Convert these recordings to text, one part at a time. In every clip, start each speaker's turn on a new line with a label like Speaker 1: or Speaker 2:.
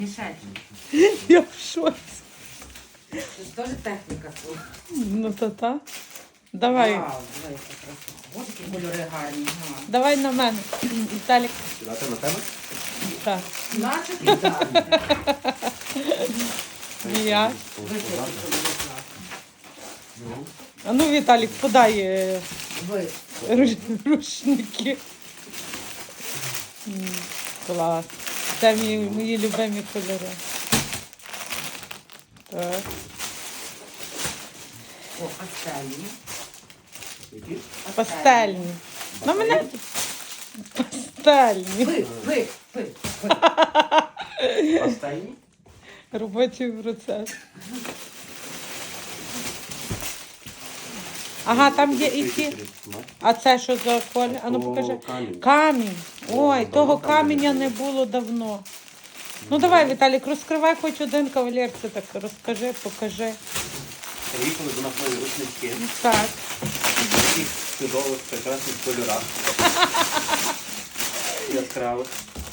Speaker 1: Мішель,
Speaker 2: Я в шоці.
Speaker 1: це ж теж техніка.
Speaker 2: Ну то та. Давай.
Speaker 1: Вау, дивися, красиво. Ось які кольори гарні. Ага.
Speaker 2: Давай на мене. Віталік.
Speaker 3: Сідати на тебе?
Speaker 2: Так.
Speaker 1: Наче ідеально.
Speaker 2: Я.
Speaker 1: Вище кольори класні.
Speaker 2: А ну, Віталік, подай
Speaker 1: Вище.
Speaker 2: рушники. Клас. Це мої любимі кольори. Так.
Speaker 1: О, пастельні.
Speaker 3: Які?
Speaker 2: Пастельні. На мене пастельні.
Speaker 1: Ви.
Speaker 3: Пастельні?
Speaker 2: Робочий процес. Ага, там є і ті. А це що за колір? А ну покажи. Камінь. Ой, того каменя не було давно. Ну давай, Віталік, розкривай хоч один кавалер, це так розкажи, покажи.
Speaker 3: Приїхали до нас нові рушнички.
Speaker 2: Так.
Speaker 3: В таких чудових, прекрасних кольорах. Яскравих.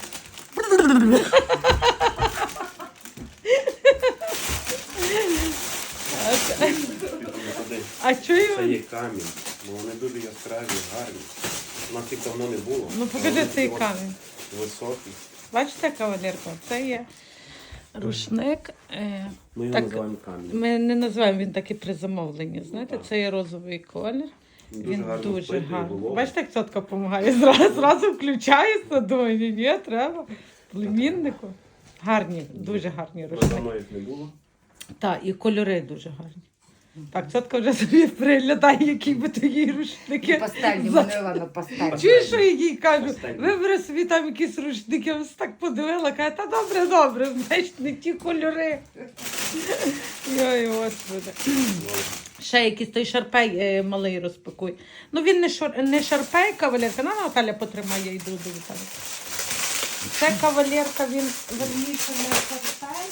Speaker 2: А
Speaker 3: Це
Speaker 2: чую?
Speaker 3: є камінь. Ну, вони дуже яскраві, гарні. У нас їх давно не було.
Speaker 2: Ну покажи цей камінь.
Speaker 3: Високий.
Speaker 2: Бачите, кавалерка? Це є рушник.
Speaker 3: Ми його
Speaker 2: Так,
Speaker 3: називаємо камінь.
Speaker 2: Ми не називаємо він так і при замовленні. Знаєте, це є розовий колір. Він
Speaker 3: гарно
Speaker 2: дуже
Speaker 3: впитує
Speaker 2: гарний.
Speaker 3: вологу.
Speaker 2: Бачите, як цотка допомагає? Зразу включається, думаю, ні, треба. Племіннику. Гарні, дуже гарні
Speaker 3: Ми
Speaker 2: рушники.
Speaker 3: давно їх не було.
Speaker 2: Так, і кольори дуже гарні. Так, цотка вже собі приглядає, які би твої рушники.
Speaker 1: Пастельні, Манила, пастельні.
Speaker 2: Чуєш, що я їй кажу?
Speaker 3: Пастельні.
Speaker 2: Вибери собі там якісь рушники, я ось так подивила, каже, та добре, знаєш, не ті кольори. Йой, Господи. Ще якийсь той шарпей малий розпакуй. Ну він не шарпей, кавалерка. На, Наталя потримає, я йду до Віталія. Це кавалерка, він верніше не шарпей.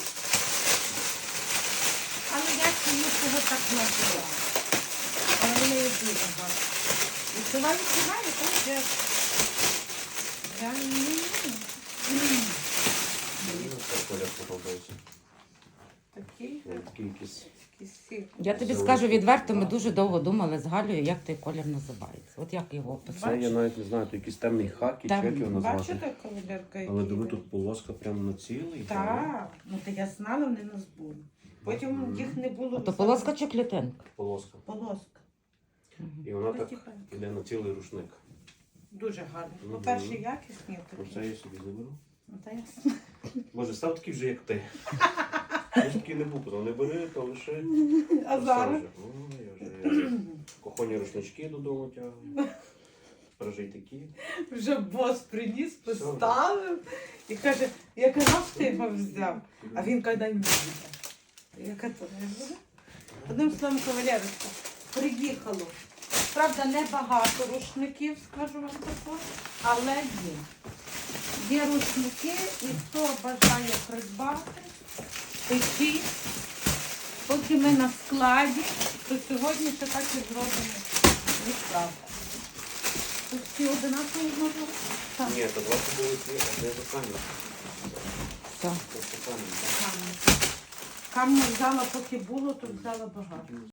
Speaker 2: Але я чомусь його так називаю. Але вони є дуже гарні. Відчуваю, то вже...
Speaker 3: Мені цей колір подобається.
Speaker 2: Такий,
Speaker 3: Такий якийсь.
Speaker 1: Я тобі скажу відверто, ми дуже довго думали з Галею, як той колір називається. От як його
Speaker 3: Це
Speaker 1: описати.
Speaker 3: я навіть не знаю, то якийсь темний хакі, чи як його назвати.
Speaker 2: Бачите, кавалерка, який?
Speaker 3: Але диви, тут полоска прямо на цілий.
Speaker 2: Так, ну то я знала, вони нас були. Потім їх не було.
Speaker 1: А то полоска чи клітинка?
Speaker 3: Полоска.
Speaker 2: Полоска.
Speaker 3: І вона так
Speaker 2: Потихеньку.
Speaker 3: іде на цілий рушник.
Speaker 2: Дуже гарно.
Speaker 3: Мгм.
Speaker 2: По-перше, якісні
Speaker 3: Оце
Speaker 2: такі.
Speaker 3: я собі заберу.
Speaker 2: Ну, та ясно.
Speaker 3: Боже, став такий вже, як ти. Я ж такий не був, казав, не бери, то лише.
Speaker 2: А зараз?
Speaker 3: Я вже кухонні рушнички додому тягну. Тепер такі.
Speaker 2: Вже бос приніс, поставив і каже, я казав, що ти його взяв. А він каже, дай мені. Яка то не буде? Одним словом, кавалерочка, приїхало. Правда, небагато рушників, скажу вам тако, але є. Є рушники, і хто бажає придбати, печіть. Поки ми на складі, то сьогодні ще так і зробимо відправку. Тут всі одинакові можна? Так.
Speaker 3: Ні, то 20 були ті, а де за камінь?
Speaker 1: Так.
Speaker 3: Просто камінь.
Speaker 2: Камінь взяла, поки було, то взяла багато.